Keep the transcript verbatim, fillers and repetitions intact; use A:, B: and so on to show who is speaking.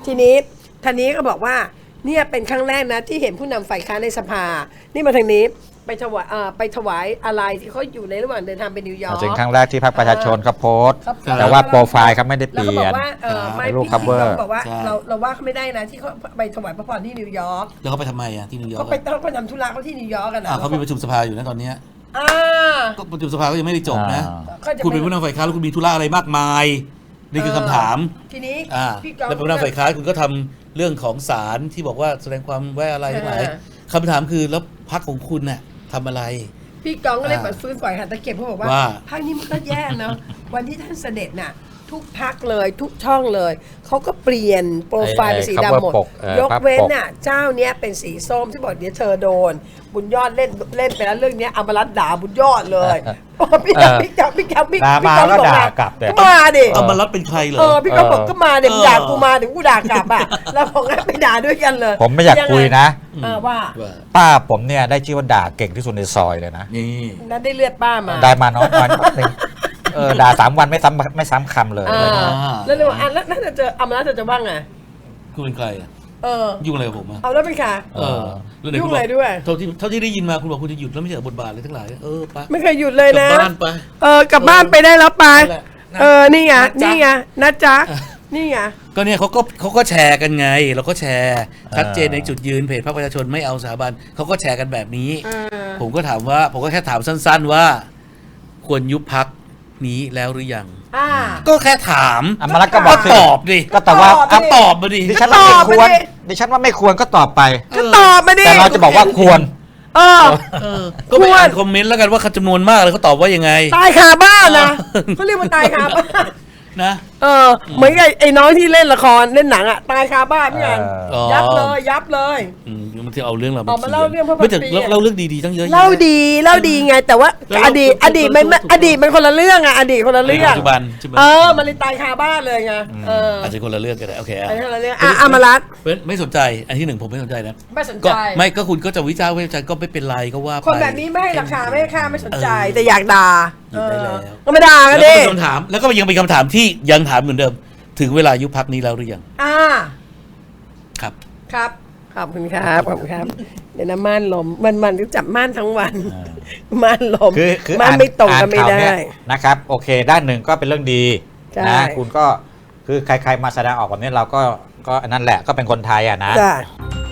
A: ทีนี้ท่านนี้ก็บอกว่าเนี่ยเป็นครั้งแรกนะที่เห็นผู้นำฝ่ายค้านในสภานี่มาทางนี้ไปถวายไปถวายอะไรที่เขาอยู่ในระหว่างเดินทางไปนิวยอร์ก
B: เป็นครั้งแรกที่พรรคประชาชนเขาโพสต์
A: ครับ
B: แต่ว่าโปรไฟล์เขาไม่ได้เป
A: แล้ว
B: ลี่
A: ก็บ
B: ย
A: อน กว่าเออไม่
B: รูป
A: พี่
B: cover
A: บอกว่าเราเราว่าเขาไม่ได้นะที่เขาไปถวายพระพรที่นิวยอร์ก
C: แล้วเขาไปทำไมอ่ะที่นิวยอร์
A: เขา
C: ก
A: ไปเขาไปทำธุระเขาที่นิวยอร์กกันนะ
C: อ่าเขามีประชุมสภาอยู่นะตอนเนี้ย
A: อ่า
C: ก็ประชุมสภาก็ยังไม่ได้จบนะ
A: ก็จะ
C: คุณเป็นผู้นำฝ่ายค้านแล้วคุณมีธุระอะไรมากมายนี่คือคำถาม
A: ทีนี้
C: อ่า
A: พี่ก๊อฟ
C: แล้วเป็นผู้นำฝ่ายค้านคุณก็ทำเรื่องของศาลที่บอกว่าแสดงความไว้อะไรทั้งหลาย
A: อ่า
C: คำถามคือแล้วพรรคของคุณน่ะทำอะไร
A: พี่กองก็เลย
C: อ่า
A: เปิดฟื้นฝ่ายหัตถเก็บเขาบอกว่า
C: ว่า
A: ภาคนี้มันก็แย่เนาะ วันที่ท่านเสด็จน่ะทุกพักเลยทุกช่องเลยเขาก็เปลี่ยนโปรไฟล์เป็นสีดำหมด
B: ไอ้ cover ปกเออย
A: กเว้นน่ะเจ้าเนี้ยเป็นสีส้มที่บอกเดี๋ยวเธอโดน บุญยอดเล่นเล่นไปแล้วเรื่องเนี้ยอมรัตน์ด่าบุญยอดเลยโอ้พี่จับพี่จับพี่จับพี่
B: ด่ามา
A: พี่
B: แล้ว
A: บอก
B: ด่า
A: ว่
B: กลับเนี่ย
A: มาดิ
C: เอามารับเป็นใครเหรอ
A: เออพี่ก็บอกก็มาเดี๋ยว
C: เออ
A: ด่ากูมาเดี๋ยวกูด่ากลับอ่ะแล้วผมก็ไปด่าด้วยกันเลย
B: ผมไม่อยากคุยนะ
A: เออว่า
C: ว่า
B: ป้าผมเนี่ยได้ชื่อว่าด่าเก่งที่สุดในซอยเลยนะ
C: นี่
A: นั้นได้เลือดป้ามา
B: ได้มาน้อยวันหนึ่งเออด่าสามวันไม่ซ้ำไม่ซ้ำคำเลย
A: อ่าแล้วเลยว่าอ่ะแล้วถ้าจะเจออมรัตน์จะว่าไง
C: คุณเป็นใครอ่ะ
A: เออ
C: ยุ่งอะไรกับผมอ่ะ
A: เอาแล้วเป็นค่ะ
C: เออแล้วไหน
A: ยุ่
C: คุ
A: ง
C: ณบ
A: อะไร
C: อก
A: ด้วย
C: เท่าที่เท่าที่ได้ยินมาคุณบอกคุณจะหยุดแล้วไม่ใช่เหรอบทบาทอะไรทั้งหลายเออไป
A: ไม่เคยหยุดเลย
C: กลั
A: นะ
C: บบ้านไป
A: เออกลับบ้านไปได้แล้วไป
C: นั่นแหละนะ
A: เออนี่ไง
C: นะจ๊ะ
A: นี่ไงนะจ๊ะนี่ไง
C: ก็เนี่ยเขาก็เขาก็แชร์กันไงเราก็แชร์ชัดเจนในจุดยืนเพจพรรคประชาชนไม่เอาสถาบันเขาก็แชร์กันแบบนี้
A: เออ
C: ผมก็ถามว่าผมก็แค่ถามสั้นๆว่า ควรยุบพักนี้แล้วหรือยัง
A: อ่า
C: ก็แค่ถาม
B: อมรัตน์ก็บอกสิ
C: ตอบดิ
B: ก็แต่ว่า
A: ตอบ
C: ก็ตอบมาดิ
B: ดิฉันว่าไม่ควร
A: ตอบไปดิ
B: ดิฉันว่าไม่ควรก็ตอบไป
A: ก็ตอบมาดิ
B: แต่เราจะบอกว่าควร
A: เออ
C: เออก็ไปอ่านคอมเมนต์แล้วกันว่าเขาจำนวนมากเลยเขาตอบว่ายังไง
A: ตายคาบ้านนะเขาเรียกว่าตายคาบ้าน
C: นะ
A: เออเหมือนกับไอ้น้องที่เล่นละครเล่นหนังอ่ะตายคาบ้านพี่อัน
C: อ๋อ
A: ยับเลยยับเลย
C: อืมมันที่เอาเรื่องเรา
A: เอามาเล่าเรื่องพระพันปี
C: ไม่แต่เล่าเรื่องดีๆตั้งเยอะแยะ
A: เล่าดีเล่าดีไง แต่ว่า
C: แล้ว
A: อดีต
C: แล้ว
A: อดีตมัน
C: แล้วแล้ว
A: อดีตมันคนละเรื่องอะอดีตคนละเรื่อง
C: ปัจจุบันใช่ไหม
A: เออมันเลยตายคาบ้านเลยไงเออ
C: อาจจะคนละเรื่องกันได้โอเคอ่ะ
A: อันนี้คนละเรื่องอ่ะอมรัตน์
C: ไม่ไม่สนใจอันที่หนึ่งผมไม่สนใจนะ
A: ไม่สน
C: ก็
A: ใจ
C: ไม่ก็คุณก็จะวิจารณ์วิจารณ์ก็ไม่เป็นไรก็ว่าไป
A: คนแบบนี้ไม่ให้ราคาไม่ให้ค่าไม่สนใจ
C: เออ
A: แต่อยากด่า
C: หยุดได้แล้ว
A: เออก็ไม่ด่ากั
C: แล้
A: น
C: วก็
A: ดิ
C: เป็นคำถามแล้วก็ยังเป็นคำถามที่ยังถามเหมือนเดิม ถึงเวลายุบพักนี้แล้วหรือยัง
A: อ่า
C: ครับ
A: ครับขอบคุณครับขอบคุณครับเดี๋ยวนะม่านลมวันวันๆก็จับม่านทั้งวันม่านลม
B: คือคือ
A: ม่าน
B: อ่าน
A: ไม่ตรง
B: อ่า
A: กัน
B: น
A: ไม่
B: ข่าว
A: ได้
B: เนี่ยนะครับโอเค ด้านหนึ่งก็เป็นเรื่องดี
A: ใช่
B: นะคุณก็คือใครๆมาแสดงออกแบบนี้เราก็ก็อันนั่นแหละก็เป็นคนไทยอ่ะนะ
A: จ้ะ